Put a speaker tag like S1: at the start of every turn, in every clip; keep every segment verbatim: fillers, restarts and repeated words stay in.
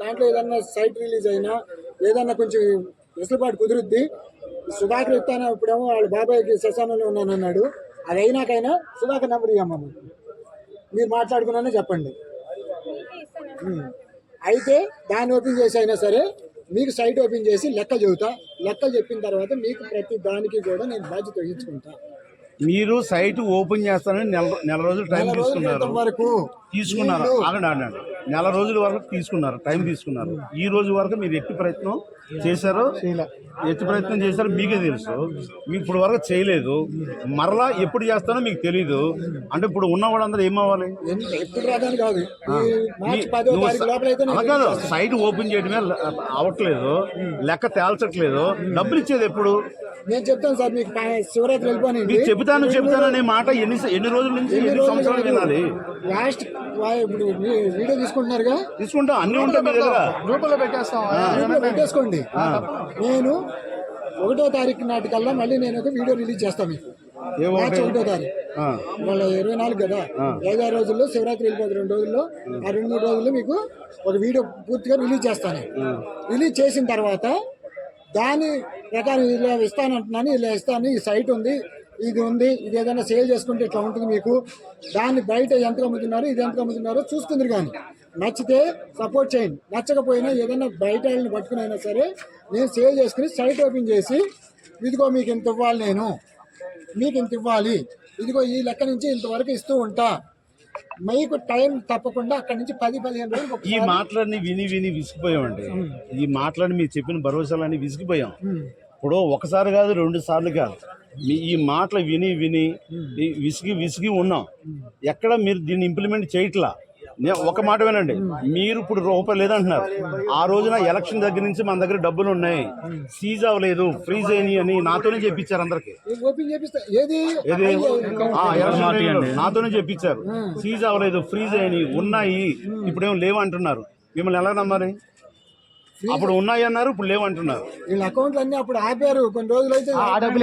S1: దాంట్లో ఏదన్నా site release అయినా ఏదన్నా కొంచెం వెసులుబాటు కుదురుద్ది. సుధాకర్ ఇస్తాను ఇప్పుడేమో వాళ్ళ బాబాయ్కి శ్మశానంలో ఉన్నానన్నాడు. అది అయినాకైనా సుధాకర్ నెంబర్ ఇవ్వమ్మ, మీరు మాట్లాడుకున్నానే చెప్పండి. అయితే దాన్ని ఓపెన్ చేసి అయినా సరే మీకు సైట్ ఓపెన్ చేసి లెక్కలు చెబుతా. లెక్కలు చెప్పిన తర్వాత మీకు ప్రతి దానికి కూడా నేను బాధ్యత వహించుకుంటా.
S2: మీరు సైట్ ఓపెన్ చేస్తానని నెల నెల రోజులు టైం తీసుకున్నారు
S1: వరకు
S2: తీసుకున్నారు ఆగండి ఆగండి నెల రోజుల వరకు తీసుకున్నారు టైం తీసుకున్నారు. ఈ రోజు వరకు మీరు ఎట్టి ప్రయత్నం చేశారో ఎట్టి ప్రయత్నం చేశారో మీకే తెలుసు. మీకు ఇప్పుడు వరకు చేయలేదు. మరలా ఎప్పుడు చేస్తానో మీకు తెలీదు. అంటే ఇప్పుడు ఉన్న వాళ్ళందరూ ఏమవ్వాలి? కాదు, సైట్ ఓపెన్ చేయడమే అవ్వట్లేదు, లెక్క తేల్చట్లేదు. డబ్బులు ఇచ్చేది ఎప్పుడు?
S1: నేను చెప్తాను సార్ మీకు శివరాత్రి వెళ్ళిపోయి
S2: మీకు చెబుతాను చెబుతాను అనే మాట ఎన్ని ఎన్ని రోజుల నుంచి ఎన్ని సంవత్సరాలు వినాలి?
S1: లాస్ట్ ఇప్పుడు వీడియో తీసుకుంటున్నారుగా,
S2: తీసుకుంటాం, అన్ని ఉంటాయి మీ దగ్గర,
S1: గ్రూపులో పెట్టేస్తాం, పెట్టేసుకోండి. నేను ఒకటో తారీఖు నాటికల్లా మళ్ళీ నేను ఒక వీడియో రిలీజ్ చేస్తాను మీకు. మార్చి ఒకటో తారీఖు వాళ్ళ ఇరవై నాలుగు కదా, ఐదారు రోజుల్లో శివరాత్రి వెళ్ళిపోతుంది. రెండు రోజుల్లో ఆ రెండు మూడు రోజుల్లో మీకు ఒక వీడియో పూర్తిగా రిలీజ్ చేస్తాను. రిలీజ్ చేసిన తర్వాత దాని ప్రకారం ఇలా ఇస్తానంటున్నాను, ఇలా ఇస్తాను, ఈ సైట్ ఉంది, ఇది ఉంది, ఇది ఏదైనా సేల్ చేసుకుంటే ఇట్లా ఉంటుంది మీకు. దాన్ని బయట ఎంత అమ్ముతున్నారు, ఇది ఎంత అమ్ముతున్నారో చూసుకుందరు. కానీ నచ్చితే సపోర్ట్ చేయండి, నచ్చకపోయినా ఏదైనా బయట వాళ్ళని పట్టుకుని అయినా సరే నేను సేల్ చేసుకుని సైట్ ఓపెన్ చేసి ఇదిగో మీకు ఇంత ఇవ్వాలి, నేను మీకు ఇంత ఇవ్వాలి, ఇదిగో ఈ లెక్క నుంచి ఇంతవరకు ఇస్తూ ఉంటా. మీకు టైం తప్పకుండా అక్కడి నుంచి పది పదిహేను రోజులు.
S2: ఈ మాటలన్నీ విని విని విసిగిపోయామండి. ఈ మాటలని మీరు చెప్పిన భరోసాలన్నీ విసిగిపోయాం. ఇప్పుడు ఒకసారి కాదు, రెండు సార్లు కాదు, మీ ఈ మాటలు విని విని విసిగి విసిగి ఉన్నాం. ఎక్కడ మీరు దీన్ని ఇంప్లిమెంట్ చేయట్లా. నేను ఒక మాట వినండి, మీరు ఇప్పుడు రూపాయి లేదంటున్నారు. ఆ రోజున ఎలక్షన్ దగ్గర నుంచి మన దగ్గర డబ్బులు ఉన్నాయి, సీజ్ అవ్వలేదు, ఫ్రీజ్ అయినాయి అని నాతోనే చెప్పించారు. అందరికి నాతోనే చెప్పించారు. సీజ్ అవ్వలేదు, ఫ్రీజ్ అయినాయి, ఉన్నాయి, ఇప్పుడేమో లేవు అంటున్నారు. మిమ్మల్ని ఎలా నమ్మాలి? అప్పుడు ఉన్నాయి అన్నారు, ఇప్పుడు లేవు అంటున్నారు.
S1: వీళ్ళ అకౌంట్లు అన్ని అప్పుడు ఆపారు, కొన్ని రోజులు అయితే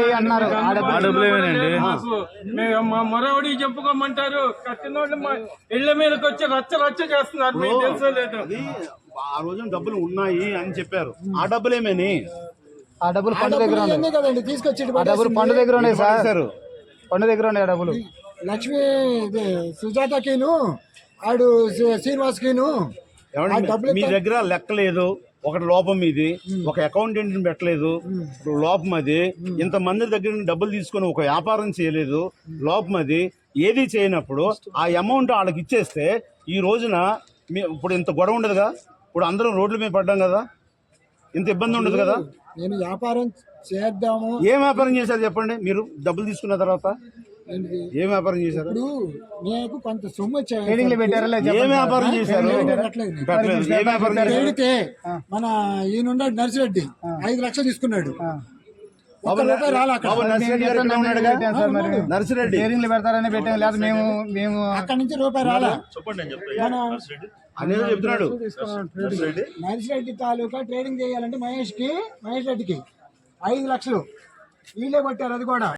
S3: మరొకటి చెప్పుకోమంటారు. కట్టినోళ్ళు ఇళ్ల మీదకి వచ్చి రచ్చ రచ్చ చేస్తున్నారు.
S2: ఆ రోజున డబ్బులు ఉన్నాయి అని చెప్పారు. ఆ డబ్బులు ఏమని?
S4: ఆ డబ్బులు పండు దగ్గర
S1: కదండి తీసుకొచ్చి
S4: డబ్బులు పండు దగ్గర ఉన్నాయి సార్, పండు దగ్గర ఉన్నాయి ఆ డబ్బులు.
S1: లక్ష్మి సుజాతకిను ఆడు శ్రీనివాస్కిను
S2: మీ దగ్గర లెక్క లేదు. ఒకటి లోపం ఇది, ఒక అకౌంటెంట్ పెట్టలేదు, లోపం అది. ఇంతమంది దగ్గర డబ్బులు తీసుకొని ఒక వ్యాపారం చేయలేదు, లోపం అది. ఏది చేయనప్పుడు ఆ అమౌంట్ వాళ్ళకి ఇచ్చేస్తే ఈ రోజున ఇప్పుడు ఇంత గొడవ ఉండదుగా. ఇప్పుడు అందరం రోడ్ల మీద పడ్డాం కదా, ఇంత ఇబ్బంది ఉండదు కదా.
S1: నేను వ్యాపారం చేద్దాము.
S2: ఏం వ్యాపారం చేశారు చెప్పండి? మీరు డబ్బులు తీసుకున్న తర్వాత ఏం వ్యాపారం చేశారు?
S1: నాకు కొంత సొమ్ము
S2: ఏం వ్యాపారం చేశారు?
S1: మన ఈయన నర్సిరెడ్డి ఐదు లక్షలు తీసుకున్నాడు.
S2: నర్సిరెడ్డి
S4: పెడతారని పెట్టాం, లేదా మేము మేము
S1: అక్కడి నుంచి రూపాయి రాలా.
S2: అనేది చెప్తున్నాడు.
S1: నర్సిరెడ్డి తాలూకా ట్రేడింగ్ చేయాలంటే మహేష్ కి మహేష్ రెడ్డికి ఐదు లక్షలు వీళ్ళే పట్టారు. అది కూడా